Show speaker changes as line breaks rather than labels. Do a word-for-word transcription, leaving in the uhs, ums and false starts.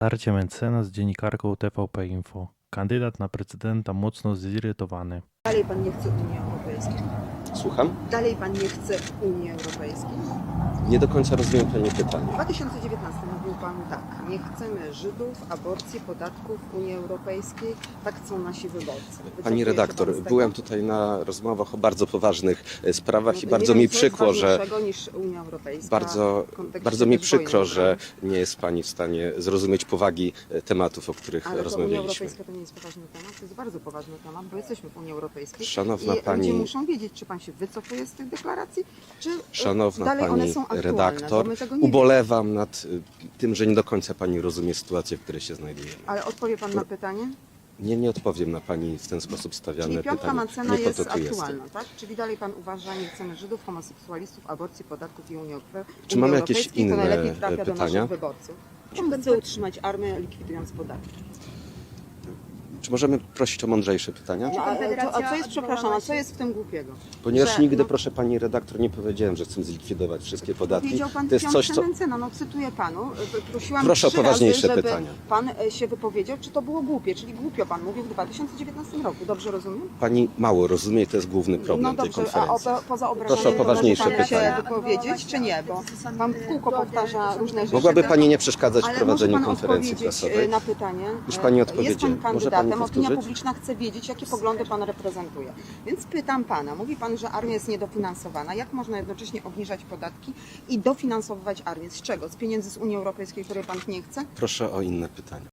Starcie mecenas z dziennikarką T V P Info. Kandydat na prezydenta mocno zirytowany.
Dalej pan nie chce Unii Europejskiej.
Słucham?
Dalej pan nie chce Unii Europejskiej.
Nie do końca rozumiem Pani pytanie.
W dwa tysiące dziewiętnastym mówił pan tak. Nie chcemy Żydów, aborcji, podatków Unii Europejskiej. Tak chcą nasi wyborcy. Wycofuje
Pani
się
redaktor,
pan z tego?
byłem tutaj na rozmowach o bardzo poważnych e, sprawach
No
i
to
bardzo
nie
mi
wiem, co jest
przykro, że
ważniejszego niż Unia Europejska
bardzo,
w kontekście
bardzo mi
tej wojny,
przykro, że
prawda?
nie jest Pani w stanie zrozumieć powagi e, tematów, o których
Ale to Unia
rozmawialiśmy.
Europejska to nie jest poważny temat, to jest bardzo poważny temat, bo jesteśmy w Unii Europejskiej.
Szanowna
I
pani-
ludzie muszą wiedzieć, czy pan się wycofuje z tych deklaracji, czy e,
Szanowna
dalej one
Pani
są aktualne,
redaktor,
bo my tego nie wiemy.
ubolewam nad e, tym, że nie do końca Pani rozumie sytuację, w której się znajdujemy.
Ale odpowie pan na pytanie?
Nie, nie odpowiem na Pani w ten sposób stawiane
Czyli piątka
pytanie.
Macena
Nie po
jest
to tu
aktualna,
jestem.
tak? Czyli dalej pan uważa, nie chcemy Żydów, homoseksualistów, aborcji, podatków i Unii Europejskiej.
Czy mamy jakieś
to
inne
najlepiej trafia do
pytania?
naszych wyborców. On chce utrzymać armię, likwidując podatki.
Czy możemy prosić o mądrzejsze pytania?
No, a, to, a co jest, przepraszam, a co jest w tym głupiego?
Ponieważ
Że,
nigdy,
no,
proszę Pani redaktor, nie powiedziałem, że chcę zlikwidować wszystkie podatki.
Powiedział pan
To jest coś, co...
Mencena, no cytuję panu. Prosiłam
Proszę o
trzy
poważniejsze
razy, żeby
pytania.
pan e, się wypowiedział, czy to było głupie, czyli głupio pan mówił w dwa tysiące dziewiętnastym roku. Dobrze rozumiem?
Pani mało rozumie, to jest główny problem
No
tej
dobrze, a o,
konferencji.
poza
Proszę o
obrażeniem
poważniejsze
może pan
pytania.
się wypowiedzieć, czy nie? Bo pan w kółko powtarza różne rzeczy.
Mogłaby Pani nie przeszkadzać w
Ale
prowadzeniu
może pan
konferencji
odpowiedzieć
prasowej?
na pytanie.
Już pani
Jest
odpowiedziałem.
pan
Może pani
kandydatem, opinia
powtórzyć?
publiczna chce wiedzieć, jakie poglądy pan reprezentuje. Więc pytam pana, mówi pan, że armia jest niedofinansowana. Jak można jednocześnie obniżać podatki i dofinansowywać armię? Z czego? Z pieniędzy z Unii Europejskiej, której pan nie chce?
Proszę o inne pytania.